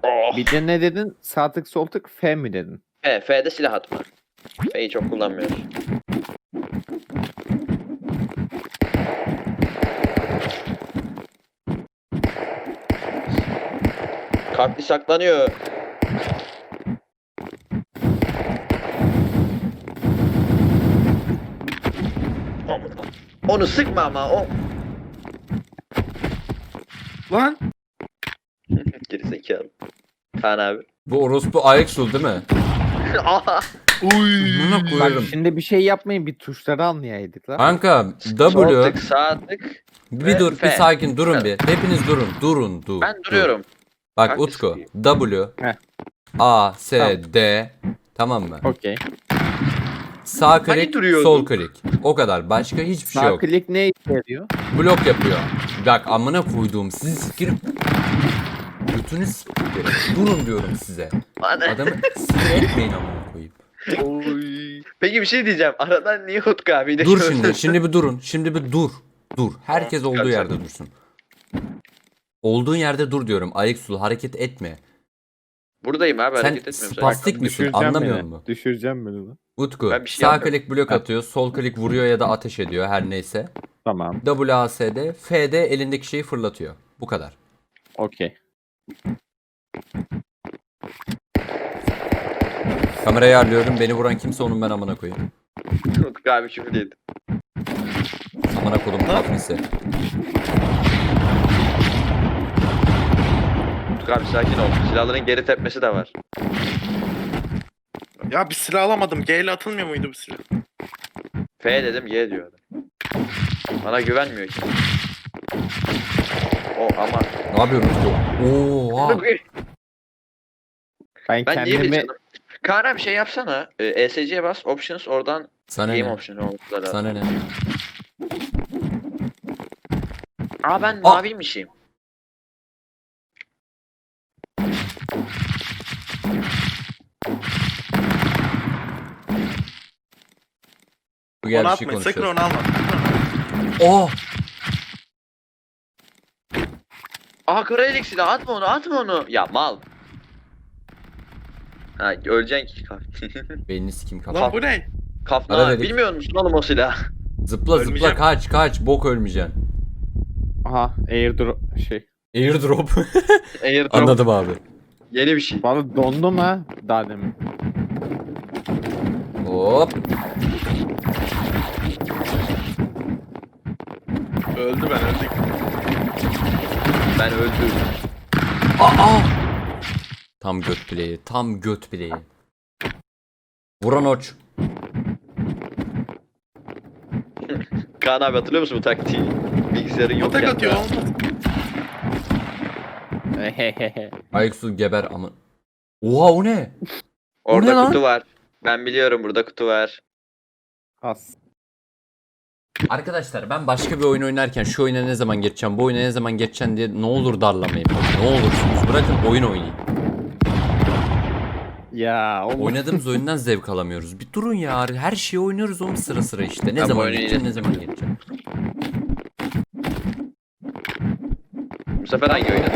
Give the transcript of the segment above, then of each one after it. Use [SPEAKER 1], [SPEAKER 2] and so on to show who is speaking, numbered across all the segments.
[SPEAKER 1] Oh.
[SPEAKER 2] Bir de ne dedin? Sağ tık sol tık F mi dedin?
[SPEAKER 1] F'de silah atma. F'yi çok kullanmıyoruz. Kalklı saklanıyor. Onu sıkma ama o.
[SPEAKER 3] Lan.
[SPEAKER 1] Gerizekalı. Kaan abi.
[SPEAKER 4] Bu orospu Ayaksul değil mi?
[SPEAKER 1] Aha.
[SPEAKER 4] Buna
[SPEAKER 2] Bak
[SPEAKER 4] koyarım.
[SPEAKER 2] şimdi bir şey yapmayın, bir tuşları anlayaydık lan.
[SPEAKER 4] Kanka
[SPEAKER 1] Sol
[SPEAKER 4] W.
[SPEAKER 1] tık, sağ tık.
[SPEAKER 4] Bir
[SPEAKER 1] ve
[SPEAKER 4] dur, bir
[SPEAKER 1] F.
[SPEAKER 4] sakin durun bir. Hepiniz durun. Dur.
[SPEAKER 1] Ben duruyorum.
[SPEAKER 4] Bak
[SPEAKER 1] Kalklı
[SPEAKER 4] Utku.
[SPEAKER 1] sıkayım.
[SPEAKER 4] W.
[SPEAKER 2] Heh.
[SPEAKER 4] A, S,
[SPEAKER 2] Tamam.
[SPEAKER 4] D. Tamam mı?
[SPEAKER 2] Okey.
[SPEAKER 4] Sağ
[SPEAKER 1] Hani
[SPEAKER 4] klik,
[SPEAKER 1] duruyordun?
[SPEAKER 4] sol klik. O kadar. Başka hiçbir şey
[SPEAKER 2] Sağ
[SPEAKER 4] yok.
[SPEAKER 2] klik ne işe yarıyor?
[SPEAKER 4] Blok yapıyor. Bak amına koyduğum sizi sikirim. Götünü sikirim. Durun diyorum size.
[SPEAKER 1] Bana-
[SPEAKER 4] Adamı sinir etmeyin amına koyayım.
[SPEAKER 1] Oy. Peki bir şey diyeceğim. Aradan niye Utku abiyle
[SPEAKER 4] Dur
[SPEAKER 1] şöyle-
[SPEAKER 4] şimdi. Şimdi bir durun. Şimdi bir dur. Dur. Herkes
[SPEAKER 1] Tamam,
[SPEAKER 4] olduğu
[SPEAKER 1] çıkaracağım.
[SPEAKER 4] yerde dursun. Olduğun yerde dur diyorum. Ayaksul hareket etme.
[SPEAKER 1] Buradayım abi,
[SPEAKER 4] Sen
[SPEAKER 1] hareket etmiyorum.
[SPEAKER 4] spastik misin?
[SPEAKER 2] Düşüreceğim
[SPEAKER 4] Anlamıyor
[SPEAKER 2] beni.
[SPEAKER 4] musun?
[SPEAKER 2] Düşüreceğim beni lan.
[SPEAKER 4] Utku
[SPEAKER 1] Ben bir şey
[SPEAKER 4] sağ
[SPEAKER 1] yapmıyorum.
[SPEAKER 4] klik blok atıyor, sol klik vuruyor ya da ateş ediyor her neyse.
[SPEAKER 2] Tamam.
[SPEAKER 4] WASD, F'de elindeki şeyi fırlatıyor. Bu kadar.
[SPEAKER 2] Okey.
[SPEAKER 4] Kamerayı ayarlıyorum. Beni vuran kimse onun ben amına koyayım.
[SPEAKER 1] Utku abi küfür yedi.
[SPEAKER 4] Amına kodum kafnisi.
[SPEAKER 1] Utku abi sakin ol. Silahların geri tepmesi de var.
[SPEAKER 3] Ya bir silah alamadım. G ile atılmıyor muydu bu silah?
[SPEAKER 1] F dedim Y diyor adam. Bana güvenmiyor ki. O ama.
[SPEAKER 4] Ne yapıyoruz bu? Oha.
[SPEAKER 2] Ben
[SPEAKER 1] Ben niye
[SPEAKER 2] kendimi
[SPEAKER 1] bilmiyorum. Kaan abi şey yapsana. ESC'ye bas. Options oradan
[SPEAKER 4] Sana
[SPEAKER 1] game
[SPEAKER 4] ne?
[SPEAKER 1] options olması lazım.
[SPEAKER 4] Sana ne?
[SPEAKER 1] Aa ben maviymişim.
[SPEAKER 4] Bu gel
[SPEAKER 3] Onu
[SPEAKER 4] bir şey
[SPEAKER 3] atmayın. Sakın
[SPEAKER 4] konuşuyoruz.
[SPEAKER 3] onu alma.
[SPEAKER 4] Oh!
[SPEAKER 1] Aha Kraelik silah, atma onu. Ya mal. Ha öleceksin ki
[SPEAKER 4] Beynini sikim
[SPEAKER 3] Lan
[SPEAKER 4] kapat.
[SPEAKER 3] bu ne?
[SPEAKER 1] Kafna
[SPEAKER 4] Ara
[SPEAKER 1] abi,
[SPEAKER 4] dedik.
[SPEAKER 1] bilmiyor musun oğlum o silah?
[SPEAKER 4] Zıpla
[SPEAKER 3] Ölmeyeceğim.
[SPEAKER 4] kaç bok ölmeyeceksin.
[SPEAKER 2] aha airdrop şey.
[SPEAKER 4] Airdrop.
[SPEAKER 1] Airdrop.
[SPEAKER 4] Anladım abi.
[SPEAKER 1] Yeni bir şey.
[SPEAKER 2] Bana dondum ha daha demin.
[SPEAKER 4] Hop.
[SPEAKER 3] Öldü ben öldük.
[SPEAKER 1] Ben öldüm.
[SPEAKER 4] Aa! Tam göt bileği. Vuran oç.
[SPEAKER 1] Kaan abi hatırlıyor musun bu taktiği? Bilgisayarın yok
[SPEAKER 3] Atak
[SPEAKER 1] ya.
[SPEAKER 3] atıyor olmaz.
[SPEAKER 2] Hehehe.
[SPEAKER 4] Ayaksu geber ama. Oha o ne? O ne
[SPEAKER 1] Orada
[SPEAKER 4] lan?
[SPEAKER 1] kutu var. Ben biliyorum, burada kutu var.
[SPEAKER 2] As.
[SPEAKER 4] Arkadaşlar ben başka bir oyun oynarken şu oyuna ne zaman geçeceğim, bu oyuna ne zaman geçeceğim diye ne olur darlamayın. Ne olursunuz bırakın oyun oynayayım.
[SPEAKER 2] Ya oğlum.
[SPEAKER 4] Oynadığımız oyundan zevk alamıyoruz. Bir durun ya, her şeyi oynuyoruz onun sıra sıra işte. Ne
[SPEAKER 1] Ben bu
[SPEAKER 4] zaman
[SPEAKER 1] oyunu
[SPEAKER 4] geçeceğim,
[SPEAKER 1] yine-
[SPEAKER 4] ne zaman geçeceğim.
[SPEAKER 1] Bu sefer hangi oynadın?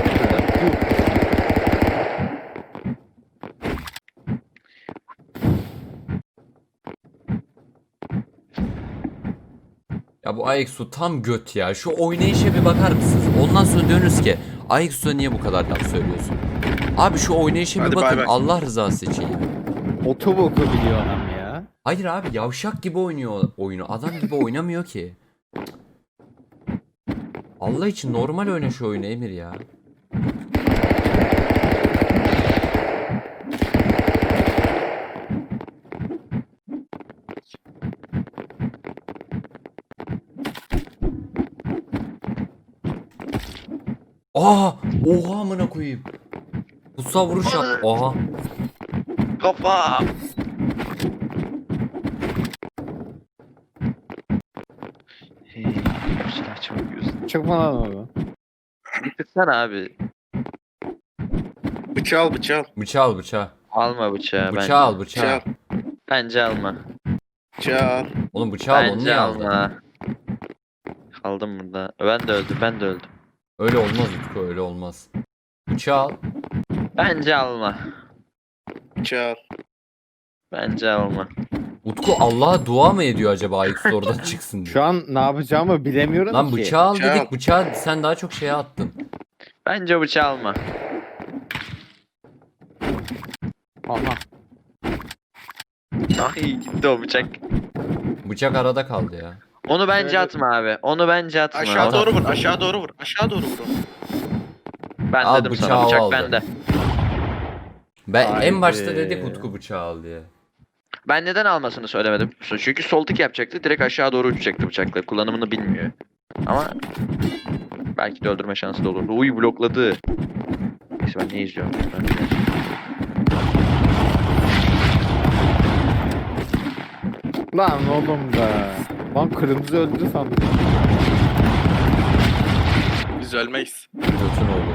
[SPEAKER 4] Ya bu Ayaksu tam göt ya. Şu oynayışa bir bakar mısınız? Ondan sonra diyorsunuz ki Ayaksu'ya niye bu kadar laf söylüyorsun? Abi şu oynayışa bir
[SPEAKER 3] Hadi bay
[SPEAKER 4] bakın
[SPEAKER 3] bay.
[SPEAKER 4] Allah rızası için ya.
[SPEAKER 2] Otoboku biliyor adam ya.
[SPEAKER 4] Hayır abi yavşak gibi oynuyor oyunu. Adam gibi oynamıyor ki. Allah için normal oyna şu oyunu Emir ya. Aa! Oha amına koyayım. Kutsal vuruş yap. Oha.
[SPEAKER 1] Kafa! Hey, bu silah çok gözüm.
[SPEAKER 2] Çık bana orada.
[SPEAKER 1] Tıksana abi.
[SPEAKER 3] Bıçağı al bıçağı al.
[SPEAKER 4] Bıçağı al bıçağı.
[SPEAKER 1] Alma bıçağı.
[SPEAKER 4] Bıçağı al
[SPEAKER 3] Bıçağı
[SPEAKER 4] bıçağı.
[SPEAKER 3] al.
[SPEAKER 1] Bence alma.
[SPEAKER 3] Bıçağı al.
[SPEAKER 4] Oğlum bıçağı al onu
[SPEAKER 1] Bence
[SPEAKER 4] niye aldın?
[SPEAKER 1] alma. Kaldım burada. Ben de öldüm.
[SPEAKER 4] Öyle olmaz Utku öyle olmaz. Bıçağı al.
[SPEAKER 1] Bence alma.
[SPEAKER 3] Çağır.
[SPEAKER 1] Bence alma.
[SPEAKER 4] Utku Allah'a dua mı ediyor acaba Aykut oradan çıksın diye?
[SPEAKER 2] Şu an ne yapacağımı bilemiyorum
[SPEAKER 4] Lan
[SPEAKER 2] ki.
[SPEAKER 4] bıçağı al
[SPEAKER 3] Bıçağı
[SPEAKER 4] dedik,
[SPEAKER 3] al.
[SPEAKER 4] bıçağı sen daha çok şeye attın.
[SPEAKER 1] Bence bıçağı alma.
[SPEAKER 2] Aha.
[SPEAKER 1] Ay gitti o bıçak.
[SPEAKER 4] Bıçak arada kaldı ya.
[SPEAKER 1] Onu bence
[SPEAKER 3] Şöyle-
[SPEAKER 1] atma abi. Onu bence atma.
[SPEAKER 3] Aşağı
[SPEAKER 1] Onu-
[SPEAKER 3] doğru vur. Aşağı doğru vur. Aşağı doğru vur.
[SPEAKER 1] Ben
[SPEAKER 4] Al,
[SPEAKER 1] dedim
[SPEAKER 4] bıçağı
[SPEAKER 1] sana bıçak
[SPEAKER 4] aldı.
[SPEAKER 1] bende.
[SPEAKER 4] Ben en
[SPEAKER 2] Haydi.
[SPEAKER 4] başta dedik Utku bıçağı al diye.
[SPEAKER 1] Ben neden almasını söylemedim. Çünkü sol tık yapacaktı. Direkt aşağı doğru uçacaktı bıçakla. Kullanımını bilmiyor. Ama belki de öldürme şansı da olurdu. Uy blokladı. Neyse ben ne izliyorum?
[SPEAKER 2] Lan oğlum da. Lan kırmızı öldü sandım.
[SPEAKER 3] Biz ölmeyiz.
[SPEAKER 4] Götün oğlu.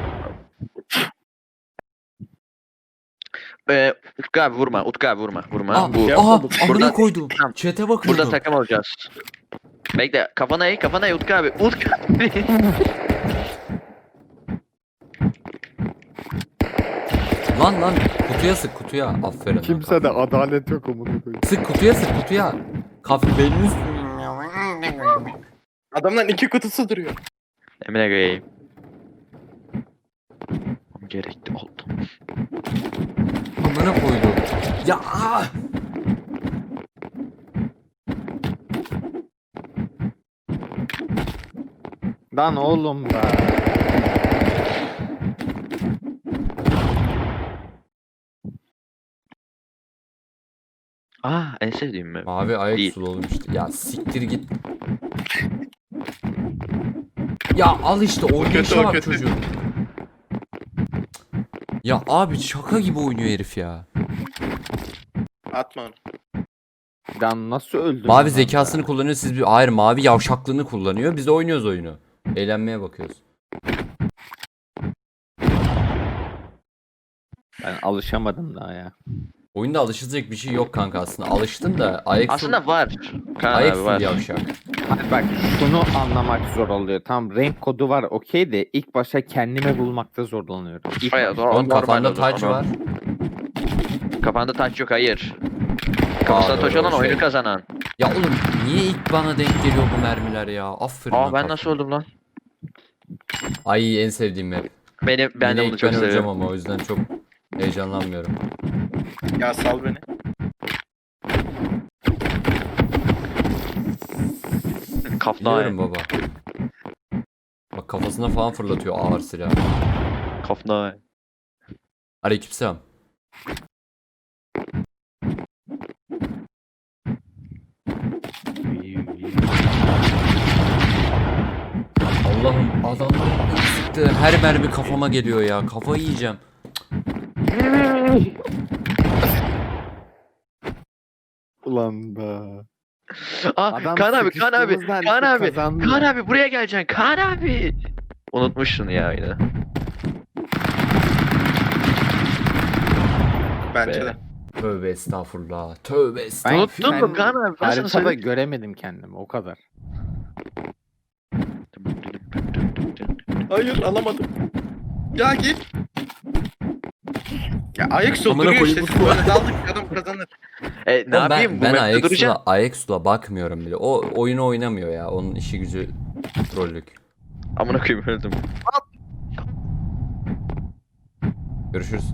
[SPEAKER 1] Utku abi vurma. Utku abi vurma. Vurma.
[SPEAKER 4] Aa,
[SPEAKER 1] Bu,
[SPEAKER 4] aha
[SPEAKER 1] burada-
[SPEAKER 4] amına koydum.
[SPEAKER 1] Tamam.
[SPEAKER 4] Çete bakıyordum.
[SPEAKER 1] burada takım olacağız. Bekle. Kafana eğ Utku abi. Utku abi.
[SPEAKER 4] Lan kutuya sık kutuya. Aferin. lan,
[SPEAKER 2] Kimse de
[SPEAKER 4] kafir.
[SPEAKER 2] adalet yok amına koyayım.
[SPEAKER 4] Sık kutuya sık kutuya. Kafir belini üst.
[SPEAKER 3] Adamların 2 kutusu duruyor.
[SPEAKER 1] Emine koyayım. Gerekli oldu.
[SPEAKER 4] Amına koydum. Ya
[SPEAKER 2] Lan oğlum da.
[SPEAKER 1] En sevdiğim mi?
[SPEAKER 4] Mavi ayak
[SPEAKER 1] Değil.
[SPEAKER 4] sulu oğlum işte. Ya siktir git. Ya al işte oynayışa
[SPEAKER 3] o
[SPEAKER 4] bak
[SPEAKER 3] kötü.
[SPEAKER 4] çocuğun. Ya abi şaka gibi oynuyor herif ya.
[SPEAKER 3] Atma onu.
[SPEAKER 2] Lan nasıl öldü?
[SPEAKER 4] Mavi zekasını kullanıyor siz bir... Hayır mavi yavşaklığını kullanıyor. Biz de oynuyoruz oyunu. Eğlenmeye bakıyoruz.
[SPEAKER 2] Ben alışamadım daha ya.
[SPEAKER 4] Oyunda alışılacak bir şey yok kanka aslında. Alıştın da ayak
[SPEAKER 1] Aslında var. Kaan
[SPEAKER 4] ayak
[SPEAKER 1] abi
[SPEAKER 4] sul
[SPEAKER 1] var.
[SPEAKER 4] yavşak.
[SPEAKER 2] Hayır bak şunu anlamak zor oluyor. Tam renk kodu var okey de ilk başta kendimi bulmakta zorlanıyorum. İlk
[SPEAKER 1] Hayır,
[SPEAKER 2] başta.
[SPEAKER 1] doğru.
[SPEAKER 4] Oğlum
[SPEAKER 1] normal
[SPEAKER 4] kafanda
[SPEAKER 1] olur,
[SPEAKER 4] taç
[SPEAKER 1] onu-
[SPEAKER 4] var.
[SPEAKER 1] Kafanda taç yok hayır. Kafasına taç
[SPEAKER 4] doğru,
[SPEAKER 1] olan
[SPEAKER 4] şey.
[SPEAKER 1] oyunu kazanan.
[SPEAKER 4] Ya oğlum niye ilk bana denk geliyor bu mermiler ya? Aferin lan
[SPEAKER 1] Ben
[SPEAKER 4] kafir.
[SPEAKER 1] nasıl öldüm lan?
[SPEAKER 4] Ay en sevdiğim map.
[SPEAKER 1] Ben de
[SPEAKER 4] Yine
[SPEAKER 1] bunu
[SPEAKER 4] ilk
[SPEAKER 1] çok
[SPEAKER 4] ben öleceğim
[SPEAKER 1] seviyorum.
[SPEAKER 4] ama o yüzden çok heyecanlanmıyorum.
[SPEAKER 3] Ya sal beni.
[SPEAKER 1] Kafna
[SPEAKER 4] Biliyorum baba. Bak kafasına falan fırlatıyor ağır silah.
[SPEAKER 1] Kafna.
[SPEAKER 4] Aleykümselam. Allah'ım adamların sıktığı her mermi kafama geliyor ya. Kafayı yiyeceğim.
[SPEAKER 2] Ulan be. Adam
[SPEAKER 1] Kaan abi,
[SPEAKER 2] sıkıştığımızda
[SPEAKER 1] Kaan
[SPEAKER 2] herkes
[SPEAKER 1] abi,
[SPEAKER 2] kazandı.
[SPEAKER 1] Kaan abi buraya geleceksin. Kaan abi. Unutmuşsun ya yine.
[SPEAKER 3] Bence
[SPEAKER 1] Be.
[SPEAKER 3] de.
[SPEAKER 4] Tövbe estağfurullah. Tövbe
[SPEAKER 2] Ben
[SPEAKER 4] estağfurullah.
[SPEAKER 1] Unuttun mu Kaan abi? Ben sana
[SPEAKER 2] Haritada
[SPEAKER 1] söyleyeyim.
[SPEAKER 2] göremedim kendimi o kadar.
[SPEAKER 3] Hayır alamadım. Ya git. Ya ayak
[SPEAKER 4] Amına
[SPEAKER 3] duruyor işte.
[SPEAKER 4] koyayım,
[SPEAKER 3] Siz böyle daldık adam kazanır.
[SPEAKER 1] Ne
[SPEAKER 4] Oğlum
[SPEAKER 1] yapayım? Bu
[SPEAKER 4] ben
[SPEAKER 1] mapte duracağım.
[SPEAKER 4] Ayaksu'la bakmıyorum bile. O oyunu oynamıyor ya. Onun işi gücü trollük.
[SPEAKER 1] Amına koyayım öldüm.
[SPEAKER 4] Görüşürüz.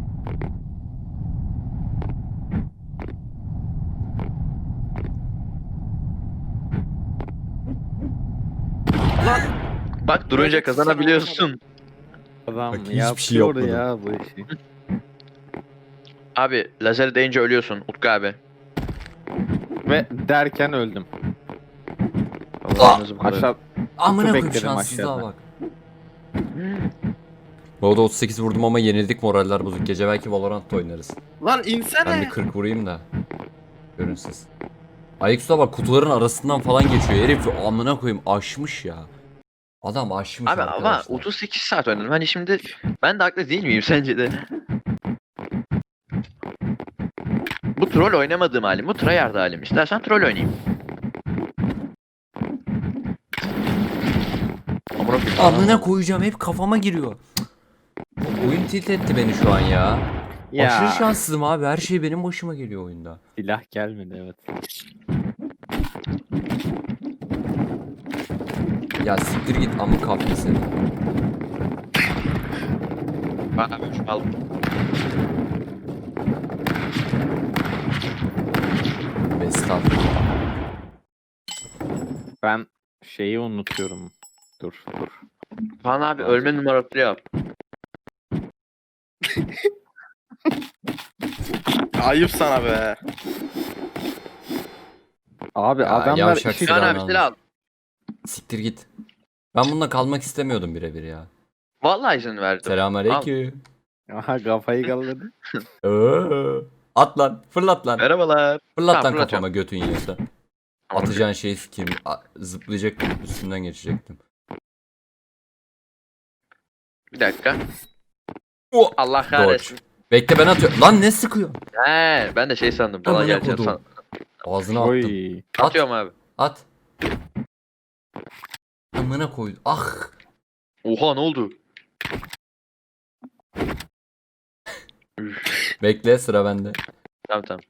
[SPEAKER 1] Bak durunca
[SPEAKER 3] Böyle
[SPEAKER 1] kazanabiliyorsun.
[SPEAKER 2] Adam
[SPEAKER 4] Bak, hiçbir
[SPEAKER 2] yapıyor
[SPEAKER 4] şey yapmadım.
[SPEAKER 2] ya bu işi.
[SPEAKER 1] Abi lazer deyince ölüyorsun Utku abi.
[SPEAKER 2] Ve derken öldüm.
[SPEAKER 1] Allah'ınızı bu kadar.
[SPEAKER 2] Aşağı
[SPEAKER 4] Amına koyayım
[SPEAKER 2] bekledim
[SPEAKER 4] şanssızlığa
[SPEAKER 2] aşağıda.
[SPEAKER 4] bak. Volda 38 vurdum ama yenildik, moraller bozuk. Gece belki Valorant'ta oynarız.
[SPEAKER 3] Lan
[SPEAKER 4] Ben bir
[SPEAKER 3] insene.
[SPEAKER 4] 40 vurayım da. Görün siz. Ayaksu'da bak kutuların arasından falan geçiyor. Herif amına koyayım aşmış ya. Adam aşmış
[SPEAKER 1] Abi ama
[SPEAKER 4] arkadaşlar.
[SPEAKER 1] 38 saat oynadım. Hani şimdi ben de haklı değil miyim sence de? Bu troll oynamadığım halim. Bu tryhard halim. İstersen troll oynayayım. Amına koyayım.
[SPEAKER 4] Amına koyacağım, hep kafama giriyor. Oyun tilt etti beni şu an ya.
[SPEAKER 2] Ya
[SPEAKER 4] Aşırı şanssızım abi. Her şey benim başıma geliyor oyunda.
[SPEAKER 2] silah gelmedi evet.
[SPEAKER 4] Ya siktir git amık kafir seni.
[SPEAKER 1] Bana bir al.
[SPEAKER 4] Estağfurullah.
[SPEAKER 2] Ben şeyi unutuyorum. Dur.
[SPEAKER 1] Kaan abi ölme numarası yap.
[SPEAKER 3] Ayıp sana be.
[SPEAKER 2] Abi
[SPEAKER 4] Ya,
[SPEAKER 2] adamlar
[SPEAKER 4] yavşak
[SPEAKER 2] işi...
[SPEAKER 4] silah.
[SPEAKER 1] Kaan abi
[SPEAKER 4] almış.
[SPEAKER 1] silah al.
[SPEAKER 4] Siktir git. Ben bununla kalmak istemiyordum birebir ya.
[SPEAKER 1] Vallahi izin verdim.
[SPEAKER 4] Selamünaleyküm.
[SPEAKER 2] Aha kafayı kalladı.
[SPEAKER 4] At lan. Fırlat lan.
[SPEAKER 1] Merhabalar.
[SPEAKER 4] Fırlat
[SPEAKER 1] Tamam,
[SPEAKER 4] lan
[SPEAKER 1] fırlatıyorum.
[SPEAKER 4] kafama götün yiyorsa. Atacağın şeyi sikeyim. Zıplayacaktım. Üstünden geçecektim.
[SPEAKER 1] Bir dakika.
[SPEAKER 4] Oh.
[SPEAKER 1] Allah kahretsin.
[SPEAKER 4] Bekle ben atıyorum. Lan ne sıkıyor?
[SPEAKER 1] He, ben de şey sandım. Bana
[SPEAKER 4] Amına
[SPEAKER 1] geleceğim
[SPEAKER 4] kodum.
[SPEAKER 1] sandım.
[SPEAKER 4] Ağzına attım.
[SPEAKER 2] Oy.
[SPEAKER 4] At.
[SPEAKER 1] Atıyorum abi.
[SPEAKER 4] At. Amına koydu. Ah.
[SPEAKER 1] Oha ne oldu?
[SPEAKER 4] Bekle sıra bende.
[SPEAKER 1] Tamam.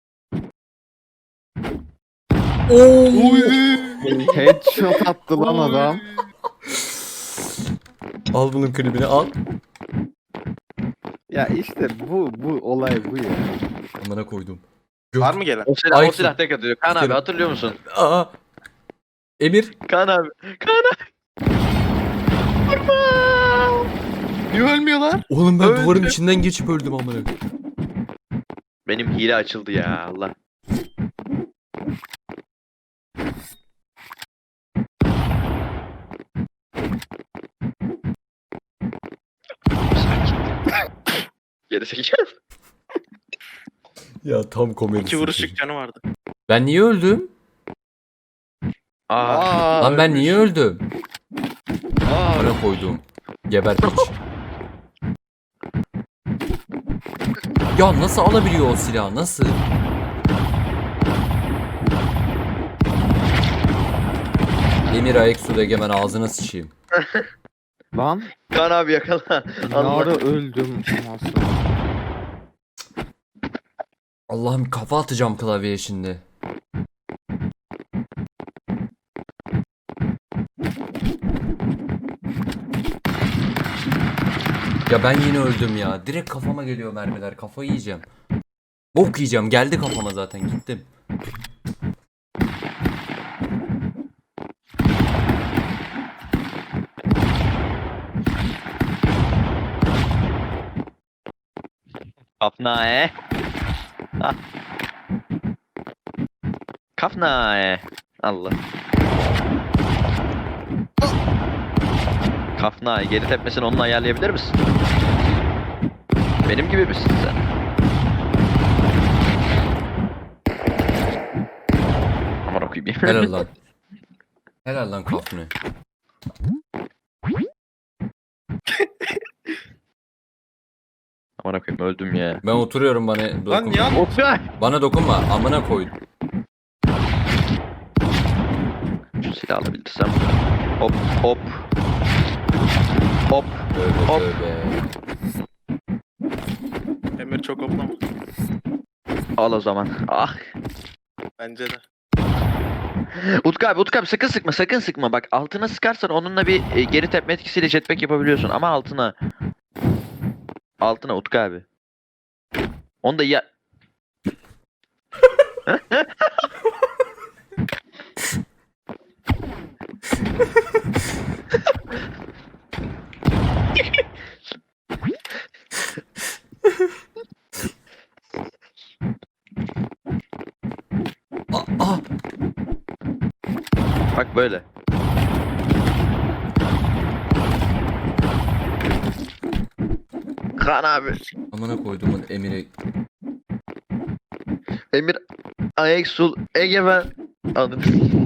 [SPEAKER 2] Headshot attı lan adam.
[SPEAKER 4] Al bunun klibini al.
[SPEAKER 2] Ya işte bu olay bu ya.
[SPEAKER 4] Amına koydum.
[SPEAKER 3] Var mı gelen?
[SPEAKER 1] O silah,
[SPEAKER 4] Ay,
[SPEAKER 1] o silah tek atıyor. Kaan abi
[SPEAKER 4] Sikerim.
[SPEAKER 1] hatırlıyor musun?
[SPEAKER 4] Aa. Emir.
[SPEAKER 1] Kaan abi. Kaan abi.
[SPEAKER 3] Niye ölmüyorlar?
[SPEAKER 4] Oğlum ben
[SPEAKER 1] Öldü.
[SPEAKER 4] duvarın içinden geçip öldüm amına.
[SPEAKER 1] Benim hile açıldı ya Allah. Geri zekalı.
[SPEAKER 4] Ya tam komedi.
[SPEAKER 3] 2 vuruşluk canı vardı.
[SPEAKER 4] Ben niye öldüm?
[SPEAKER 1] Aa,
[SPEAKER 4] Lan ben niye öldüm?
[SPEAKER 1] aa.
[SPEAKER 4] Amına koydum. Geber piç. Ya nasıl alabiliyor o silahı? Nasıl? Emir Ayaksu Egemen ağzına sıçayım.
[SPEAKER 2] Lan
[SPEAKER 1] Kaan abi yakala.
[SPEAKER 2] ne
[SPEAKER 1] Allah.
[SPEAKER 2] ara öldüm. Nasıl?
[SPEAKER 4] Allah'ım kafa atacağım klavyeye şimdi. Ya ben yine öldüm ya. Direkt kafama geliyor mermiler. Kafayı yiyeceğim. Bok yiyeceğim. Geldi kafama zaten. Gittim.
[SPEAKER 1] Kafnae. Ah. Kafnae. Allah. Kafnae geri tepmesini onunla ayarlayabilir misin? Benim gibi misin sen? Aman okuyayım.
[SPEAKER 4] Helal lan. Helal lan kafne.
[SPEAKER 1] Aman okuyayım öldüm ya.
[SPEAKER 4] Ben oturuyorum bana
[SPEAKER 3] Lan
[SPEAKER 4] dokunma.
[SPEAKER 3] niye al-
[SPEAKER 1] Oktay.
[SPEAKER 4] Bana dokunma. Amına koy.
[SPEAKER 1] Şu silahı alabildirsem. Hop hop. Hop.
[SPEAKER 4] Tövbe
[SPEAKER 1] Hop.
[SPEAKER 4] tövbe.
[SPEAKER 3] Emir çok hoplama.
[SPEAKER 1] Al o zaman. Ah.
[SPEAKER 3] Bence de.
[SPEAKER 1] Utku abi sakın sıkma sakın sıkma. Bak altına sıkarsan onunla bir geri tepme etkisiyle jetpack yapabiliyorsun ama altına. Altına Utku abi. Onu da ya...
[SPEAKER 4] Ah,
[SPEAKER 1] Bak böyle. Kaan abi.
[SPEAKER 4] amına koyduğumun Emir'e.
[SPEAKER 1] Emir Ayaksul Egemen. Anladın.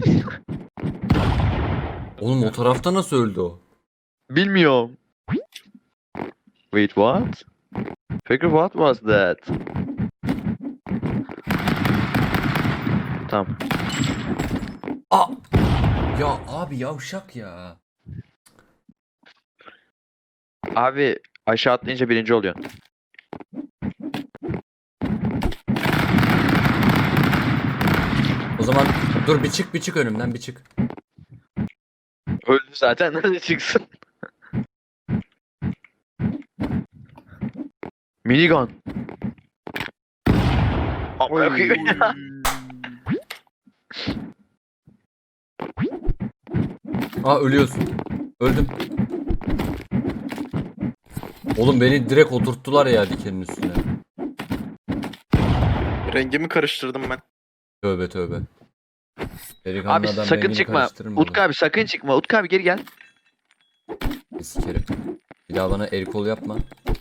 [SPEAKER 4] Oğlum o tarafta nasıl öldü o?
[SPEAKER 1] Bilmiyorum. Wait what? Peki what was that? Tamam.
[SPEAKER 4] Aa! Ya abi yavşak ya.
[SPEAKER 1] Abi Aşağı atlayınca birinci oluyorsun.
[SPEAKER 4] O zaman dur bir çık önümden bir çık.
[SPEAKER 1] Öldü zaten nasıl çıksın? Minigun. Amına koyayım.
[SPEAKER 4] Aa ölüyorsun. Öldüm. Oğlum beni direkt oturttular ya dikenin üstüne.
[SPEAKER 3] Rengimi karıştırdım ben.
[SPEAKER 4] Tövbe tövbe. Delikanlı
[SPEAKER 1] Abi
[SPEAKER 4] adam
[SPEAKER 1] sakın
[SPEAKER 4] rengini
[SPEAKER 1] çıkma.
[SPEAKER 4] karıştırır mı
[SPEAKER 1] Utku abi sakın çıkma. Utku abi geri gel.
[SPEAKER 4] oğlum? Sikerim. Bir daha bana el kol yapma.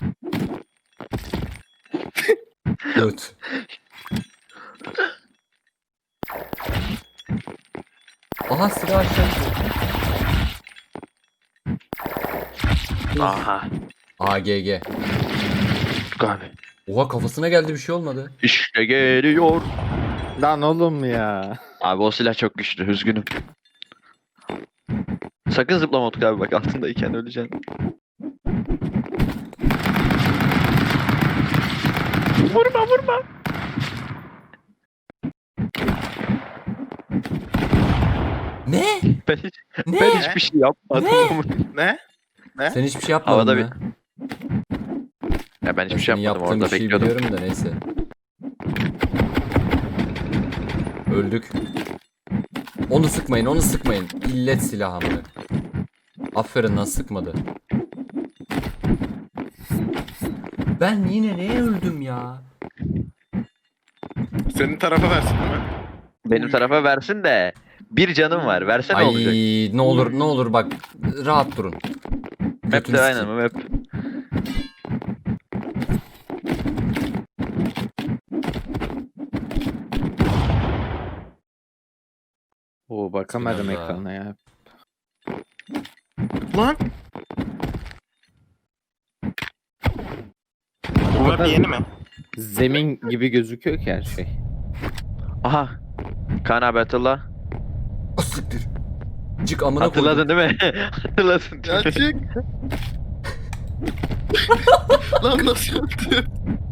[SPEAKER 4] Göt. Aha silah aşağı.
[SPEAKER 1] Aha.
[SPEAKER 4] AGG.
[SPEAKER 1] Utku abi.
[SPEAKER 4] Oha kafasına geldi bir şey olmadı.
[SPEAKER 1] İşte geliyor.
[SPEAKER 2] Lan oğlum ya.
[SPEAKER 1] Abi o silah çok güçlü. Üzgünüm. Sakın zıplama Utku abi bak altındayken öleceksin. Vurma vurma.
[SPEAKER 4] Ne?
[SPEAKER 1] Ben, hiç,
[SPEAKER 4] Ne?
[SPEAKER 1] ben hiçbir şey yapmadım.
[SPEAKER 3] Ne?
[SPEAKER 4] Sen hiçbir şey yapmadın
[SPEAKER 1] Havada
[SPEAKER 4] mı?
[SPEAKER 1] Ya ben hiçbir
[SPEAKER 4] Ben
[SPEAKER 1] şey
[SPEAKER 4] senin
[SPEAKER 1] yapmadım
[SPEAKER 4] yaptığın
[SPEAKER 1] orada
[SPEAKER 4] bir şeyi
[SPEAKER 1] bekliyordum.
[SPEAKER 4] biliyorum da neyse. Öldük. Onu sıkmayın, onu sıkmayın. İllet silahımı. Aferin lan sıkmadı. Ben yine neye öldüm ya?
[SPEAKER 3] Senin tarafa versin değil mi?
[SPEAKER 1] Benim tarafa versin de bir canım var. Versene
[SPEAKER 4] Ay
[SPEAKER 1] olacak.
[SPEAKER 4] ne olur ne olur bak rahat durun.
[SPEAKER 1] Map
[SPEAKER 4] Götünü
[SPEAKER 1] de aynen
[SPEAKER 4] sikeyim.
[SPEAKER 1] map.
[SPEAKER 2] Oo bakamadım
[SPEAKER 4] Sinan da.
[SPEAKER 2] ekrana ya.
[SPEAKER 3] Lan. Bu map yeni mi?
[SPEAKER 2] Zemin gibi gözüküyor ki her şey.
[SPEAKER 1] Aha. Kaan abi hatırla.
[SPEAKER 4] Ah, siktir. Cık amına koydum.
[SPEAKER 1] Hatırladın değil mi? Hatırladın değil mi?
[SPEAKER 3] Gerçek. Lan nasıl yaptı?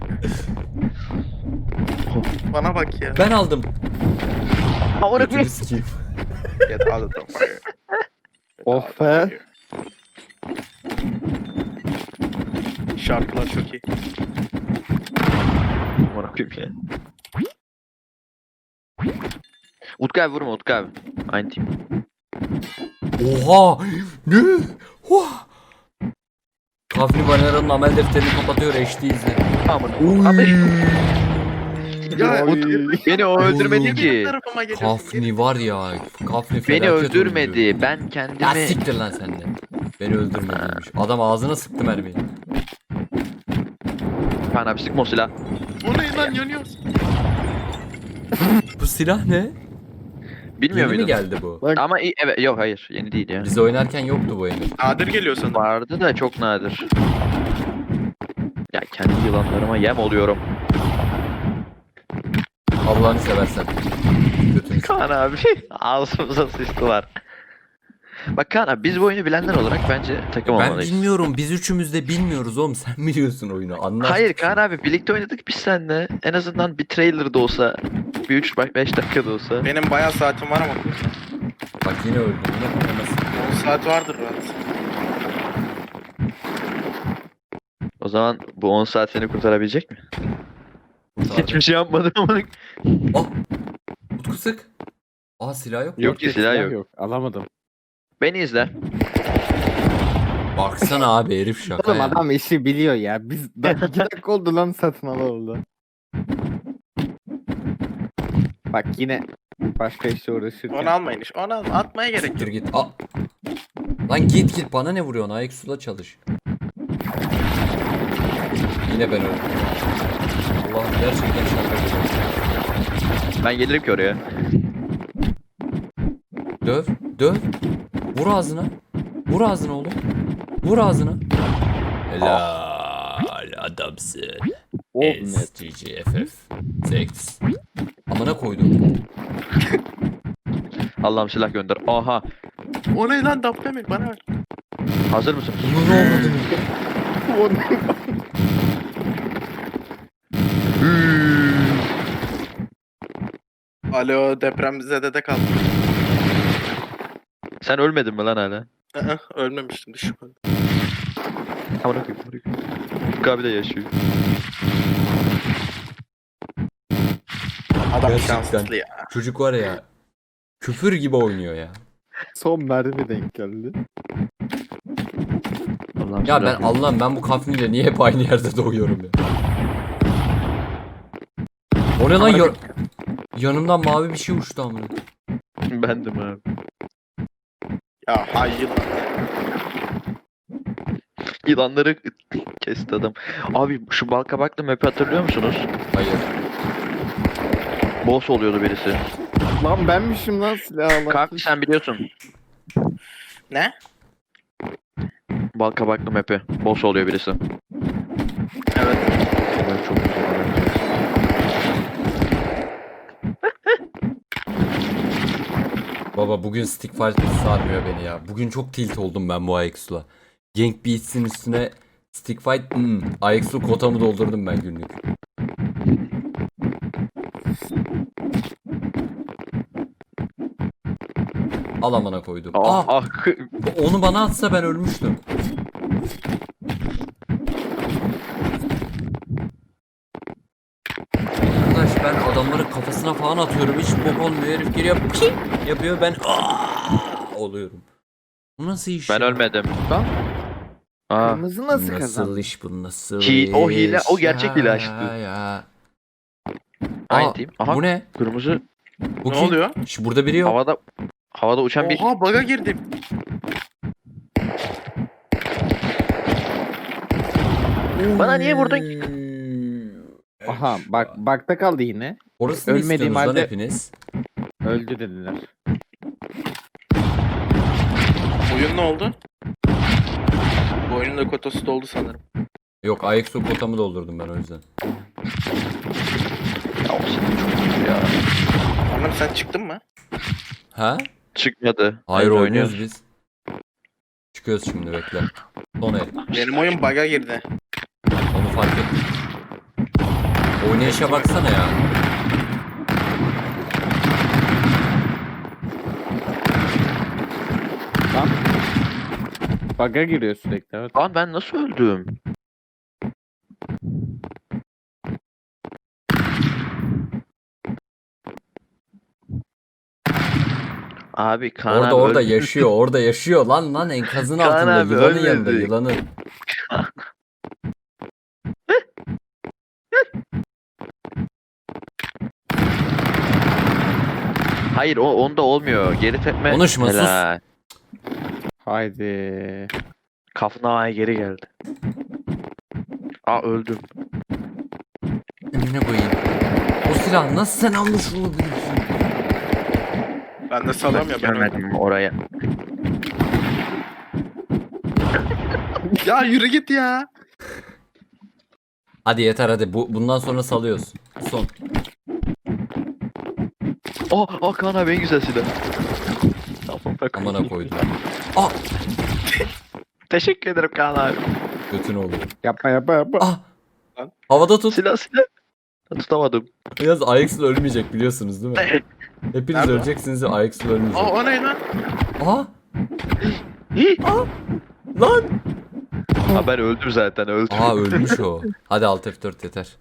[SPEAKER 3] Bana bak ya.
[SPEAKER 4] Ben aldım.
[SPEAKER 1] Amına
[SPEAKER 4] Götünü
[SPEAKER 1] koyayım.
[SPEAKER 4] sikeyim.
[SPEAKER 3] Get out of the fire.
[SPEAKER 2] Oh be.
[SPEAKER 3] Şarkılar çok iyi.
[SPEAKER 1] Amına koyayım ya. Utku abi vurma Utku abi. Aynı team.
[SPEAKER 4] Oha! Ne? Oha! Kafni Banera'nın amel defterini kapatıyor HD izle.
[SPEAKER 1] Amına. Abi
[SPEAKER 3] Ya
[SPEAKER 1] beni o öldürmedi
[SPEAKER 3] Niye
[SPEAKER 1] ki.
[SPEAKER 3] benim tarafıma geliyorsun?
[SPEAKER 4] Kafni var ya. Kafni
[SPEAKER 1] Beni
[SPEAKER 4] felaket oyuncu.
[SPEAKER 1] öldürmedi. Ben
[SPEAKER 4] Ya
[SPEAKER 1] kendimi...
[SPEAKER 4] siktir lan sen de. Beni öldürmediymiş. Adam ağzına sıktı mermiyi.
[SPEAKER 1] Kaan abi sıkma o silah.
[SPEAKER 3] O ne lan yanıyorsun?
[SPEAKER 4] Bu silah ne?
[SPEAKER 1] Bilmiyor
[SPEAKER 4] Yeni mi
[SPEAKER 1] muydun?
[SPEAKER 4] geldi bu?
[SPEAKER 2] Bak
[SPEAKER 1] Ama evet yok hayır yeni değil ya.
[SPEAKER 4] Biz oynarken yoktu bu Emir.
[SPEAKER 3] Nadir geliyor sanırım.
[SPEAKER 1] Vardı da çok nadir. Ya kendi yılanlarıma yem oluyorum.
[SPEAKER 4] Allah'ını seversen. Götünü s-
[SPEAKER 1] Kaan abi ağzımıza sıçtılar. Bak Kaan abi biz bu oyunu bilenler olarak bence takım
[SPEAKER 4] Ben
[SPEAKER 1] olmalıyız.
[SPEAKER 4] bilmiyorum. Biz üçümüz de bilmiyoruz oğlum. Sen biliyorsun oyunu. Anlat.
[SPEAKER 1] Hayır Kaan abi birlikte oynadık biz seninle. En azından bir trailer da olsa, bir 3-5 dakika da olsa.
[SPEAKER 3] Benim bayağı saatim var ama.
[SPEAKER 4] Bak yine öldüm. Yine kafama sıktı.
[SPEAKER 3] 10 saat vardır rahat.
[SPEAKER 1] O zaman bu 10 saat seni kurtarabilecek mi? Hiçbir şey yapmadım ama.
[SPEAKER 4] Ah! Utku sık. Aa silah yok.
[SPEAKER 1] Yok ki silah yok.
[SPEAKER 2] Alamadım.
[SPEAKER 1] Beni izle.
[SPEAKER 4] Baksana abi herif şaka
[SPEAKER 2] Oğlum
[SPEAKER 4] ya.
[SPEAKER 2] adam işi biliyor ya. Biz 2 dakika oldu lan satın oldu. Bak yine başka işle uğraşırken.
[SPEAKER 3] Onu almayın iş. Onu alma. Atmaya gerek
[SPEAKER 4] Siktir
[SPEAKER 3] yok.
[SPEAKER 4] git. Aa. Lan git bana ne vuruyorsun? Ayak sula çalış. Yine ben öldüm. Allah'ım gerçekten şaka gibi.
[SPEAKER 1] Ben gelirim ki oraya.
[SPEAKER 4] Döv. Döv. Vur ağzına. Vur ağzına oğlum. Vur ağzına. Helal adamsın.
[SPEAKER 2] Oh, net.
[SPEAKER 4] SGGFF. Sex. Amına koydum.
[SPEAKER 1] Allah'ım silah gönder. Aha.
[SPEAKER 3] O ne lan Dabbe mi? Bana ver.
[SPEAKER 1] Hazır mısın?
[SPEAKER 4] Bunu ne oldu?
[SPEAKER 3] Alo, depremzedede kaldım.
[SPEAKER 1] Sen ölmedin mi lan hala?
[SPEAKER 3] Ölmemiştim, düşmedim.
[SPEAKER 1] Amına koyayım. Ufuk abi de yaşıyor.
[SPEAKER 3] Adam
[SPEAKER 4] Gerçekten.
[SPEAKER 3] şanslı ya.
[SPEAKER 4] Çocuk var ya. Küfür gibi oynuyor ya.
[SPEAKER 2] Son mermi denk geldi.
[SPEAKER 1] Allah'ım
[SPEAKER 4] Ya ben
[SPEAKER 1] selam.
[SPEAKER 4] Allah'ım ben bu kafniyle niye hep aynı yerde doğuyorum ya? O ne lan yanımdan mavi bir şey uçtu amına.
[SPEAKER 1] Bendim abi.
[SPEAKER 3] Ya hayır.
[SPEAKER 1] Yılanları kesti adam. Abi şu balkabaklı map'i hatırlıyor musunuz?
[SPEAKER 4] Hayır.
[SPEAKER 1] Boss oluyordu birisi.
[SPEAKER 2] Lan benmişim lan silahla.
[SPEAKER 1] Kalk sen biliyorsun.
[SPEAKER 3] Ne?
[SPEAKER 1] Balkabaklı map'i. Boss oluyor birisi.
[SPEAKER 3] Evet.
[SPEAKER 1] Ben çok güzel.
[SPEAKER 4] Baba bugün stick fight sarmıyor beni ya. Bugün çok tilt oldum ben bu Ajax'la. Gank Beats'in üstüne stick fight Ajax'lu kotamı doldurdum ben günlük. Al amına koydum.
[SPEAKER 1] Ah,
[SPEAKER 4] Ah,
[SPEAKER 1] ah.
[SPEAKER 4] onu bana atsa ben ölmüştüm. Arkadaş ben adamların kafasına falan atıyorum hiç bok olmuyor herif geliyor ping yapıyor ben oluyorum. Bu nasıl iş
[SPEAKER 1] Ben
[SPEAKER 4] ya?
[SPEAKER 1] ölmedim.
[SPEAKER 2] Lan
[SPEAKER 1] Aa.
[SPEAKER 2] kırmızı nasıl
[SPEAKER 4] Nasıl
[SPEAKER 2] kazandı?
[SPEAKER 4] iş bu nasıl
[SPEAKER 1] O hile, o
[SPEAKER 4] iş
[SPEAKER 1] gerçek hile aşkı.
[SPEAKER 4] ya.
[SPEAKER 1] Aynı
[SPEAKER 4] Aa,
[SPEAKER 1] team. Aha
[SPEAKER 4] bu ne?
[SPEAKER 1] kırmızı
[SPEAKER 4] Bu
[SPEAKER 3] Ne
[SPEAKER 4] kim?
[SPEAKER 3] oluyor?
[SPEAKER 4] Burada biri yok.
[SPEAKER 1] havada uçan bir
[SPEAKER 3] Oha, bug'a girdim.
[SPEAKER 1] Bana niye vurdun?
[SPEAKER 2] Aha bak bakta kaldı yine.
[SPEAKER 4] Orası ne
[SPEAKER 2] Ölmediğim
[SPEAKER 4] istiyorsunuz lan
[SPEAKER 2] halde-
[SPEAKER 4] hepiniz?
[SPEAKER 2] Öldü dediler.
[SPEAKER 3] Oyun ne oldu? Bu oyunun da kotası doldu sanırım.
[SPEAKER 4] Yok Ajax'u kotamı doldurdum ben o yüzden.
[SPEAKER 1] ya, o senin çok kötü ya.
[SPEAKER 3] Anam sen çıktın mı?
[SPEAKER 4] Ha?
[SPEAKER 1] Çıkmadı.
[SPEAKER 4] Hayır
[SPEAKER 1] Biz
[SPEAKER 4] oynuyoruz biz. Çıkıyoruz şimdi bekle. Son el.
[SPEAKER 3] Benim oyun bug'a girdi.
[SPEAKER 4] Onu fark ettim. Oynayışa baksana ya.
[SPEAKER 2] Lan. Bug'a giriyor sürekli evet.
[SPEAKER 1] Lan ben nasıl öldüm? Abi Kaan
[SPEAKER 4] Orada
[SPEAKER 1] abi
[SPEAKER 4] orada
[SPEAKER 1] öldü.
[SPEAKER 4] yaşıyor orada yaşıyor lan enkazın
[SPEAKER 1] Kaan
[SPEAKER 4] altında
[SPEAKER 1] abi
[SPEAKER 4] yılanın
[SPEAKER 1] ölmedi.
[SPEAKER 4] yanında yılanın.
[SPEAKER 1] Hayır onda olmuyor. Geri tepme.
[SPEAKER 4] Konuşma, sus.
[SPEAKER 1] Helal.
[SPEAKER 2] Haydi.
[SPEAKER 1] Kafnava'ya geri geldi. Aa öldüm.
[SPEAKER 4] Önüne koyayım. O silah nasıl sen almış olabilirsin?
[SPEAKER 3] Ben de salam ya, ben öldüm.
[SPEAKER 1] Gelmedim oraya.
[SPEAKER 3] Ya yürü git ya.
[SPEAKER 4] Hadi yeter hadi bundan sonra salıyoruz. Son.
[SPEAKER 1] Kaan abi en güzel silah. Tamam, bak.
[SPEAKER 4] Amına koydum. Ah
[SPEAKER 1] Teşekkür ederim Kaan abi.
[SPEAKER 4] götünü oldu.
[SPEAKER 2] Yapma yapma yapma.
[SPEAKER 4] Ah. Havada tut.
[SPEAKER 1] Silah. Tutamadım.
[SPEAKER 4] Yalnız Ajax'la ölmeyecek biliyorsunuz değil mi? Hepiniz
[SPEAKER 3] Nerede?
[SPEAKER 4] öleceksiniz ve Ajax'la ölmeyecek.
[SPEAKER 3] O ne lan?
[SPEAKER 4] Aha.
[SPEAKER 1] Hi.
[SPEAKER 4] Lan.
[SPEAKER 1] Ha ben öldüm zaten öldüm.
[SPEAKER 4] Aa ölmüş o. Hadi Alt F4 yeter.